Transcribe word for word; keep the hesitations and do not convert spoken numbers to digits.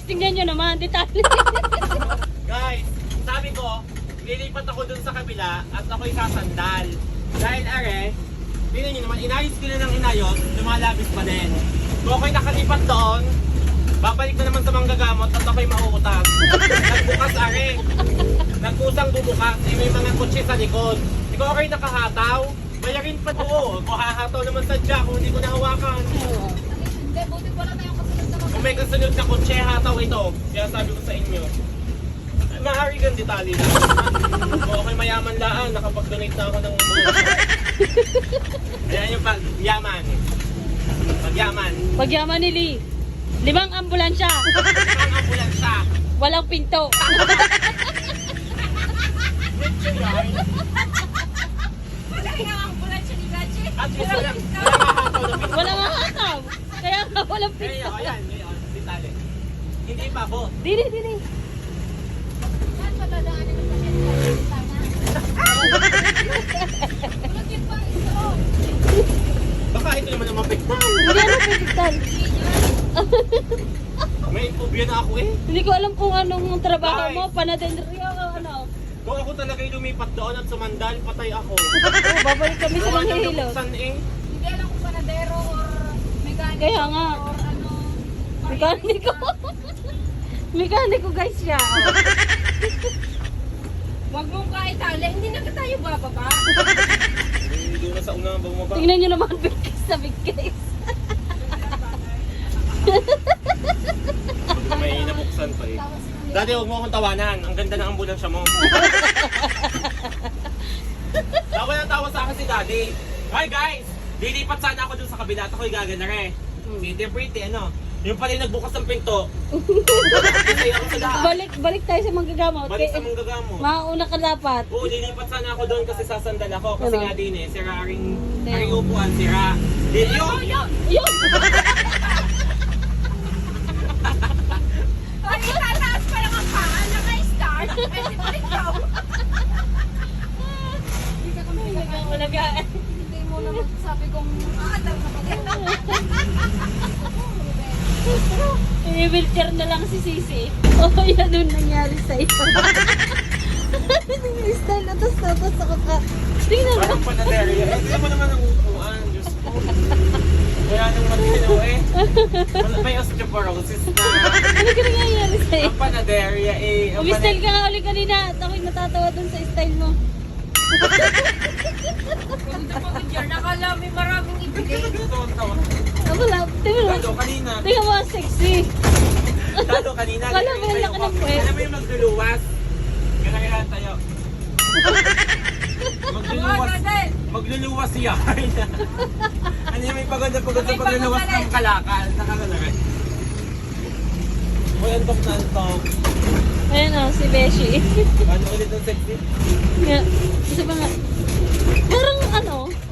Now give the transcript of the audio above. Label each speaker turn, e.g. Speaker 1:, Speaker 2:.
Speaker 1: tingnan nyo naman, detalye.
Speaker 2: Guys, sabi ko, lilipat ako dun sa kabila at ako'y sasandal. Dahil are, tingnan nyo naman, inayos ko na ng inayos, lumalabis pa din. Kung ako'y nakalipat doon, babalik na naman sa manggagamot at ako'y mauutas. Nagbukas are, nagkusang bumukas, eh, may mga kotse sa likod. Ikaw ako'y nakahataw, bayarin pa doon. Kung hahataw naman sadya, kung hindi ko nahawakan.
Speaker 3: Hindi, buti wala tayong kasunod na
Speaker 2: Kung may kasunod na kotse, hataw ito. Kaya sabi ko sa inyo, maaari kang detalye lang. Kung ako'y mayaman laan, nakapag-donate na ako ng ayan yung pag-yaman. Pag-yaman.
Speaker 1: Pagyaman ni Lee. Limang ambulansya.
Speaker 2: Ang ambulansya.
Speaker 1: Walang pinto.
Speaker 2: Medyo yan.
Speaker 3: Wala yung ambulansya ni Gachi.
Speaker 2: At yun lang, walang mahataw na pinto.
Speaker 1: Walang hataw. Kaya nga walang
Speaker 2: Kaya
Speaker 1: pinto.
Speaker 2: ayan, ngayon, detalye. Hindi pa po.
Speaker 1: Dili, dili.
Speaker 3: Saan madadaanin ang pasyente? Sana. Ulot yun pa, ito.
Speaker 2: Baka ito naman ang mapigtan.
Speaker 1: Hindi ano pinto.
Speaker 2: May phobia na ako eh.
Speaker 1: Hindi ko alam kung anong trabaho
Speaker 2: Guys.
Speaker 1: mo. Panadenderya o ano.
Speaker 2: Kung ako talaga'y lumipat doon at sumandal, patay ako.
Speaker 1: Oh, babalik kami sa
Speaker 2: Gawa ng
Speaker 1: Manghihilot.
Speaker 2: nabuksan eh.
Speaker 3: Hindi alam kung panadero or mechanic.
Speaker 1: Kaya nga.
Speaker 3: Or ano.
Speaker 1: Mekaniko. Mekaniko guys siya.
Speaker 3: Huwag mong kaitali. Hindi na tayo bababa.
Speaker 2: Hindi doon na sa unang bumaba.
Speaker 1: Tingnan nyo naman big case na big case.
Speaker 2: May nabuksan pa eh. Dati huwag mo akong tawanan. Ang ganda ng ambulansya mo. Tawa na tawa sa akin si Daddy. Hi guys! Lilipat sana ako dun sa kabila at ako'y gagana rin. Pretty pretty ano. Yung pala yung nagbukas ng pinto. Kasi ako sa daan.
Speaker 1: Balik, balik tayo sa manggagamot.
Speaker 2: Balik sa
Speaker 1: Kaya-
Speaker 2: manggagamot.
Speaker 1: Mauna ka dapat.
Speaker 2: Oo, lilipat sana ako doon kasi sasandal ako. Kasi
Speaker 1: Ano?
Speaker 2: nga din eh, sira aring,
Speaker 1: Ano?
Speaker 2: aring upuan, sira. Di, yun!
Speaker 3: Yun!
Speaker 1: Yun!
Speaker 3: Ay, itataas pa lang ang paa. Naka-start. Pwede pa ikaw. Hindi ka kami
Speaker 1: Malagaan.
Speaker 3: Hindi mo naman sabi kong aadar na maganda.
Speaker 1: I-wheelchair na lang si Sisi. Oo, oh, yan yung nangyari sa'yo. Yung style na tos na tos ako ka. Tingnan mo.
Speaker 2: Parang panaderya. Eh, hindi mo naman ang upuan. Diyos ko. Wala nang matino eh. Wala- May osteoporosis na.
Speaker 1: Ano ka nangyayari sa'yo?
Speaker 2: Ang panaderya eh. Ang
Speaker 1: Umistyle ka nga ulit kanina at ako'y natatawa dun sa style mo.
Speaker 3: Punta mo dyan. Nakala may maraming ibigay.
Speaker 2: Tawa.
Speaker 1: Ah, wala. Tingnan mo.
Speaker 2: Dado kanina.
Speaker 1: Tingnan mo, ang sexy.
Speaker 2: Dado kanina.
Speaker 1: Wala,
Speaker 2: ganyan
Speaker 1: wala
Speaker 2: tayo
Speaker 1: ka
Speaker 2: ko.
Speaker 1: ng puwet.
Speaker 2: Alam mo yung magluluwas? Kailangan tayo. Magluluwas.
Speaker 3: Agad
Speaker 2: Magluluwas siya. Ano yung may pagod na pagod sa
Speaker 3: May
Speaker 2: pagluluwas
Speaker 3: pagod
Speaker 2: ng kalakal. Nakakalagay. Uy, antok na antok.
Speaker 1: Ayan o, si Beshi.
Speaker 2: Ano ulit ang sexy?
Speaker 1: Nga, isa pa nga. Parang ano,